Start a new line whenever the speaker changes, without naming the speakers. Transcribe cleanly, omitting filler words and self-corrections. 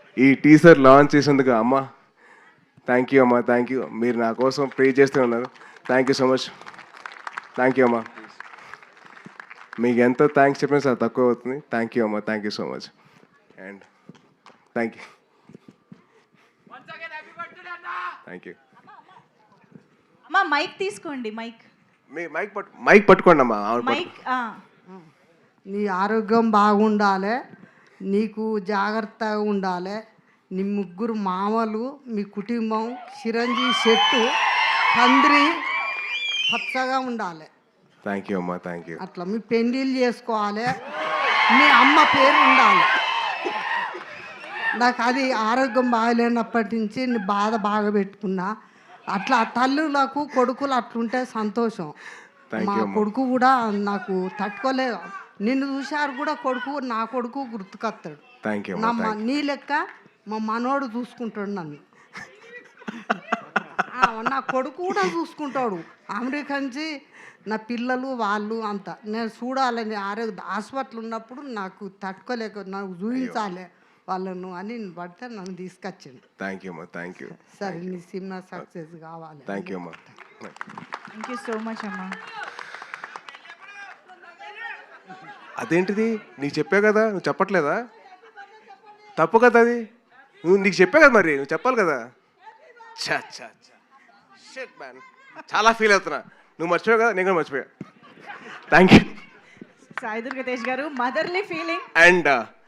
ఈ teaser launch చేసేందుకు అమ్మ థ్యాంక్ యూ అమ్మ, థ్యాంక్ యూ. మీరు నా కోసం ప్రే చేస్తూ ఉన్నారు. Thank you so much. Thank you అమ్మ. మీకు ఎంత థ్యాంక్స్ చెప్పినా సార్ తక్కువ అవుతుంది. థ్యాంక్ యూ అమ్మ, thank you so much. And thank you, thank you.
అమ్మా మైక్ తీసుకోండి. మైక్
మీ మైక్ పట్టుకోండి అమ్మా.
మైక్
నీ ఆరోగ్యం బాగుండాలి, నీకు జాగ్రత్తగా ఉండాలి. నీ ముగ్గురు మామలు, మీ కుటుంబం చిరంజీవి చెట్టు తండ్రి పచ్చగా ఉండాలి.
థ్యాంక్ యూ అమ్మా, థ్యాంక్ యూ.
అట్లా మీ పెళ్ళిళ్ళు చేసుకోవాలి, మీ అమ్మ పేరు ఉండాలి. నాకు అది ఆరోగ్యం బాగలేనప్పటి నుంచి నీ బాధ బాగా పెట్టుకున్నా. అట్లా తల్లులకు కొడుకులు అట్లుంటే సంతోషం. మా కొడుకు కూడా నాకు తట్టుకోలేదు. నిన్ను చూశారు కూడా కొడుకు, నా కొడుకు గుర్తుకొస్తాడు.
Thank you.
నీ లెక్క మా మనోడు చూసుకుంటాడు నన్ను. నా కొడుకు కూడా చూసుకుంటాడు. అమెరికా నుంచి నా పిల్లలు వాళ్ళు అంతా నేను చూడాలని ఆరోగ్య హాస్పిటల్ ఉన్నప్పుడు నాకు తట్టుకోలేక నాకు చూపించాలి వాళ్ళను అని పడితే నన్ను తీసుకొచ్చింది.
థ్యాంక్ యూ అమ్మా, థ్యాంక్ యూ.
సరే నీ సినిమా సక్సెస్ కావాలి.
థ్యాంక్ యూ అమ్మా.
థ్యాంక్ యూ సో మచ్ అమ్మా.
అదేంటిది నీకు చెప్పా కదా, నువ్వు చెప్పట్లేదా? తప్పు కదా అది. నీకు చెప్పా కదా, మరి నువ్వు చెప్పాలి కదా. షిట్ మ్యాన్, చాలా ఫీల్ అవుతున్నా. నువ్వు మర్చిపోయావు కదా, నేను కూడా మర్చిపోయా. Thank you.
Sai Durga Tej garu, motherly feeling.
And